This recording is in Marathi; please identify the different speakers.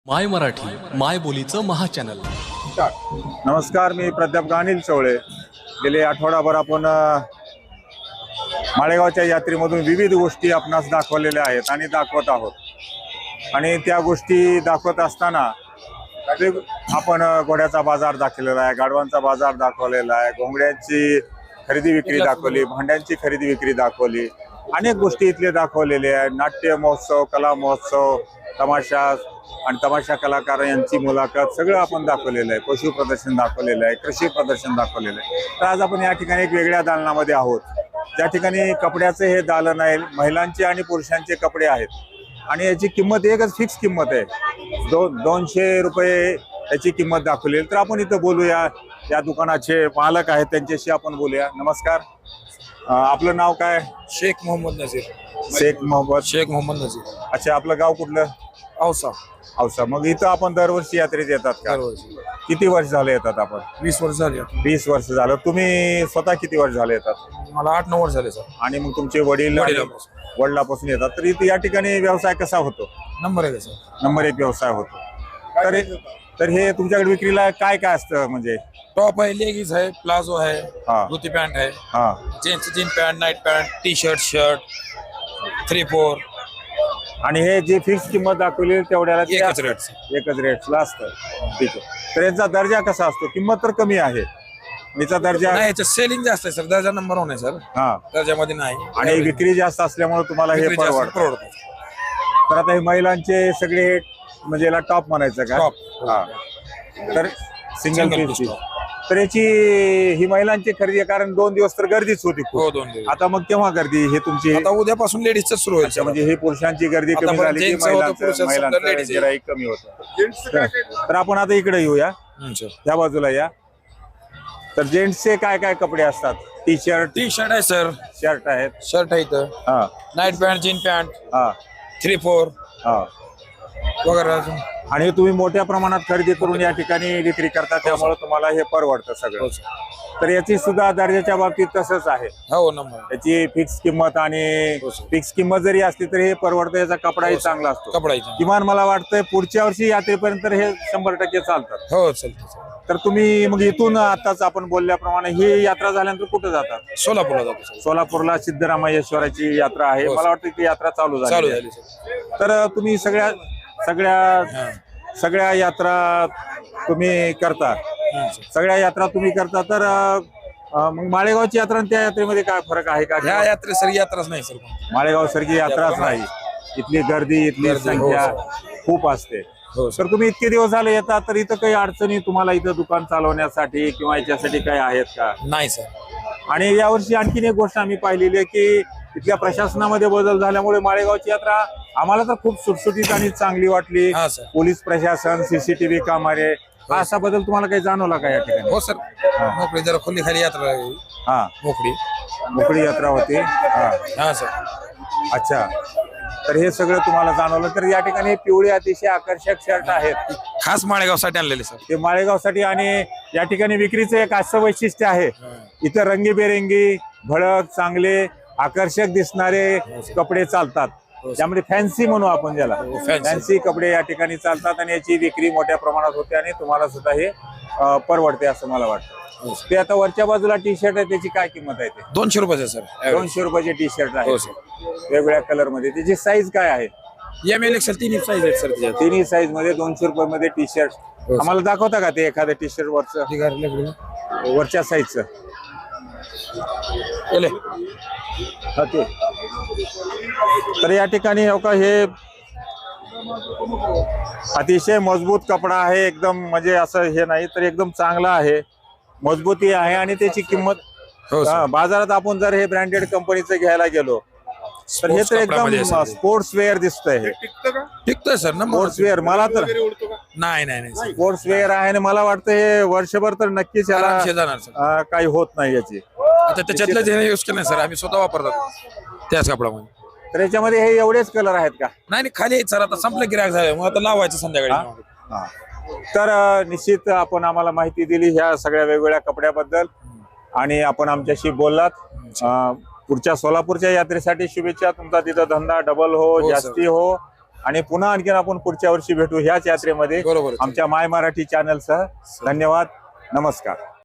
Speaker 1: माय मराठी माय बोलीचं महाचॅनल.
Speaker 2: नमस्कार, मी प्राध्यापक अनिल चवळे. गेले आठवडाभर आपण माळेगावच्या यात्रेमधून विविध गोष्टी आपणास दाखवलेल्या आहेत आणि दाखवत आहोत. आणि त्या गोष्टी दाखवत असताना ते आपण घोड्याचा बाजार दाखवलेला आहे, गाढवांचा बाजार दाखवलेला आहे, घोंगड्यांची खरेदी विक्री दाखवली, भांड्यांची खरेदी विक्री दाखवली, अनेक गोष्टी इथले दाखवलेले आहे. नाट्य महोत्सव, कला महोत्सव, तमाशा आणि तमाशा कलाकार यांची मुलाखत सगळं आपण दाखवलेलं आहे. पशु प्रदर्शन दाखवलेलं आहे, कृषी प्रदर्शन दाखवलेलं आहे. तर आज आपण या ठिकाणी एक वेगळ्या दालनामध्ये आहोत. त्या ठिकाणी कपड्याचे हे दालन आहे, महिलांचे आणि पुरुषांचे कपडे आहेत. आणि याची किंमत एकच फिक्स किंमत आहे, 200 रुपये याची किंमत दाखवली. तर आपण इथं बोलूया, या दुकानाचे मालक आहेत त्यांच्याशी आपण बोलूया. नमस्कार, आपलं नाव काय?
Speaker 3: शेख मोहम्मद नजीर.
Speaker 2: शेख मोहम्मद
Speaker 3: नजीर.
Speaker 2: अच्छा, आपलं गाव कुठलं?
Speaker 3: औसा.
Speaker 2: औसा. मग इथं आपण दरवर्षी यात्रेत येतात का?
Speaker 3: दरवर्षी.
Speaker 2: किती वर्ष झाले येतात आपण?
Speaker 3: 20 वर्ष झाली.
Speaker 2: 20 वर्ष झालं. तुम्ही स्वतः किती वर्ष झाले येतात?
Speaker 3: मला 8-9 वर्ष झाले सर.
Speaker 2: आणि मग तुमचे वडिलापासून येतात. तर इथे या ठिकाणी व्यवसाय कसा होतो?
Speaker 3: Number 1 sir.
Speaker 2: नंबर 1 व्यवसाय होतो. तर हे तुमच्याकडे विक्रीला काय काय असतं? म्हणजे
Speaker 3: टॉप आहे, लेगीज आहे, प्लाझो आहे,
Speaker 2: हा.
Speaker 3: धोती पॅन्ट आहे,
Speaker 2: हा
Speaker 3: gents jean pant, night pant, T shirt, shirt, 3-4
Speaker 2: आणि हे जे फिक्स किंमत दाखवली तेवढ्याला ते
Speaker 3: एकच
Speaker 2: असतं.
Speaker 3: रेट.
Speaker 2: एकच रेटला असतं. ठीक आहे. तर यांचा दर्जा कसा असतो? किंमत तर कमी आहे, याचा दर्जा
Speaker 3: नाही, याच्यात सेलिंग जास्त आहे सर. दर्जा नंबर 1 आहे सर.
Speaker 2: हा.
Speaker 3: दर्जामध्ये नाही.
Speaker 2: आणि विक्री जास्त असल्यामुळे तुम्हाला हे
Speaker 3: विक्री जास्त
Speaker 2: परवडतं. तर आता हे महिलांचे सगळे हे म्हणजे याला टॉप म्हणायचं का?
Speaker 3: टॉप.
Speaker 2: हा. तर सिंगल पीस. तर याची ही महिलांची खरेदी आहे, कारण 2 दिवस तर गर्दीच होती खूप.
Speaker 3: हो, 2 दिवस.
Speaker 2: आता मग केव्हा गर्दी? हे तुमची
Speaker 3: आता उद्यापासून लेडीजच सुरू होईल.
Speaker 2: म्हणजे हे पुरुषांची गर्दी कमी
Speaker 3: आता
Speaker 2: झाली की
Speaker 3: जेंट्स होतं, पुरुषांचं
Speaker 2: महिलांचं
Speaker 3: ladies आहे.
Speaker 2: गिऱ्हाईक कमी होतं. तर आपण आता इकडे येऊया, त्या बाजूला या. तर जेंट्सचे काय काय कपडे असतात? टी शर्ट
Speaker 3: आहे सर.
Speaker 2: शर्ट आहेत.
Speaker 3: शर्ट आहे इथं.
Speaker 2: हा
Speaker 3: नाईट पॅन्ट, जीन पॅन्ट,
Speaker 2: हा
Speaker 3: 3-4
Speaker 2: हा.
Speaker 3: वगैरे अजून.
Speaker 2: आणि तुम्ही मोठ्या प्रमाणात खरेदी करून या ठिकाणी विक्री करता, त्यामुळे तुम्हाला हे परवडतं सगळं. तर याची सुद्धा दर्जाच्या बाबतीत तसंच आहे.
Speaker 3: हो, नंबर.
Speaker 2: याची फिक्स किंमत आणि फिक्स किंमत जरी असली तरी हे परवडतं. याचा कपडाही चांगला असतो.
Speaker 3: कपडा
Speaker 2: किमान मला वाटतंय पुढच्या वर्षी यात्रेपर्यंत हे 100% चालतात.
Speaker 3: हो, चालतं.
Speaker 2: तर तुम्ही मग इथून आताच आपण बोलल्याप्रमाणे ही यात्रा झाल्यानंतर कुठे जातात?
Speaker 3: सोलापूरला जातो.
Speaker 2: सोलापूरला सिद्धरामेश्वराची यात्रा आहे. मला वाटतं ती यात्रा चालू झाली. तर तुम्ही सगळ्या यात्रा तुम्ही करता. सगळ्या यात्रा तुम्ही करता. तर मग माळेगावची यात्रा आणि त्या यात्रेमध्ये काय फरक आहे का?
Speaker 3: ह्या यात्रेसारखी यात्राच नाही सर.
Speaker 2: माळेगाव सारखी यात्राच नाही. इथली गर्दी, इथली संख्या खूप असते. तर तुम्ही इतके दिवस झाले येतात, तर इथं काही अडचणी तुम्हाला इथं दुकान चालवण्यासाठी किंवा याच्यासाठी काही आहेत का?
Speaker 3: नाही सर.
Speaker 2: आणि यावर्षी आणखीन एक गोष्ट आम्ही पाहिलेली आहे की इथल्या प्रशासनामध्ये बदल झाल्यामुळे माळेगावची यात्रा आम्हाला तर खूप सुटसुटीत आणि चांगली वाटली. पोलीस प्रशासन, सीसीटीव्ही कामारे, असा बदल तुम्हाला काही जाणवला का या ठिकाणी?
Speaker 3: हो सर. मोकळी जरा खुली खाली यात्रा.
Speaker 2: हा, मोकळी यात्रा होती.
Speaker 3: हा सर.
Speaker 2: अच्छा, तर हे सगळं तुम्हाला जाणवलं. तर या ठिकाणी पिवळे अतिशय आकर्षक शर्ट आहेत,
Speaker 3: खास माळेगावसाठी आणलेले सर.
Speaker 2: ते माळेगावसाठी. आणि या ठिकाणी विक्रीचं एक असं वैशिष्ट्य आहे, इथं रंगीबेरंगी, भडक, चांगले आकर्षक दिसणारे कपडे चालतात. त्यामुळे फॅन्सी म्हणू आपण ज्याला, फॅन्सी कपडे या ठिकाणी चालतात आणि याची विक्री मोठ्या प्रमाणात होते आणि तुम्हाला सुद्धा हे परवडते असं मला वाटतं. ते आता वरच्या बाजूला टी शर्ट आहे, त्याची काय किंमत आहे? ते
Speaker 3: 200 रुपये सर.
Speaker 2: 200 रुपयाचे टी शर्ट आहे वेगवेगळ्या कलर मध्ये. त्याची साईज काय आहे?
Speaker 3: ML XL तिन्ही साईज आहेत सर.
Speaker 2: तिन्ही साईज मध्ये 200 रुपये मध्ये टी शर्ट. आम्हाला दाखवता का ते एखादं टी शर्ट वरच्या साईजचं? तर या ठिकाणी हे अतिशय मजबूत कपडा आहे, एकदम म्हणजे असं हे नाही तर एकदम चांगला आहे, मजबूती आहे. आणि त्याची किंमत बाजारात आपण जर हे ब्रँडेड कंपनीचं घ्यायला गेलो तर हे तर एकदम स्पोर्ट्स वेअर दिसतंय. हे
Speaker 3: टिकतोय सर.
Speaker 2: स्पोर्ट्स वेअर मला तर
Speaker 3: नाही
Speaker 2: स्पोर्ट्स वेअर आहे आणि मला वाटतं हे वर्षभर तर नक्कीच याला काही होत नाही याची.
Speaker 3: आता त्याच्यातलं यूज केलं सर, आम्ही स्वतः वापरतो त्याच कपड्यामध्ये.
Speaker 2: तर याच्यामध्ये हे एवढेच कलर आहेत का?
Speaker 3: नाही, खाली सर. आता संपलं गिराक झालं, मग आता लावायचं संध्याकाळी.
Speaker 2: तर निश्चित आपण आम्हाला माहिती दिली ह्या सगळ्या वेगवेगळ्या कपड्याबद्दल आणि आपण आमच्याशी बोललात. पुढच्या सोलापूरच्या यात्रेसाठी शुभेच्छा. तुमचा तिथं धंदा डबल हो, जास्ती हो आणि पुन्हा आणखीन आपण पुढच्या वर्षी भेटू ह्याच यात्रेमध्ये
Speaker 3: बरोबर आहे.
Speaker 2: आमच्या माय मराठी चॅनलसह. धन्यवाद, नमस्कार.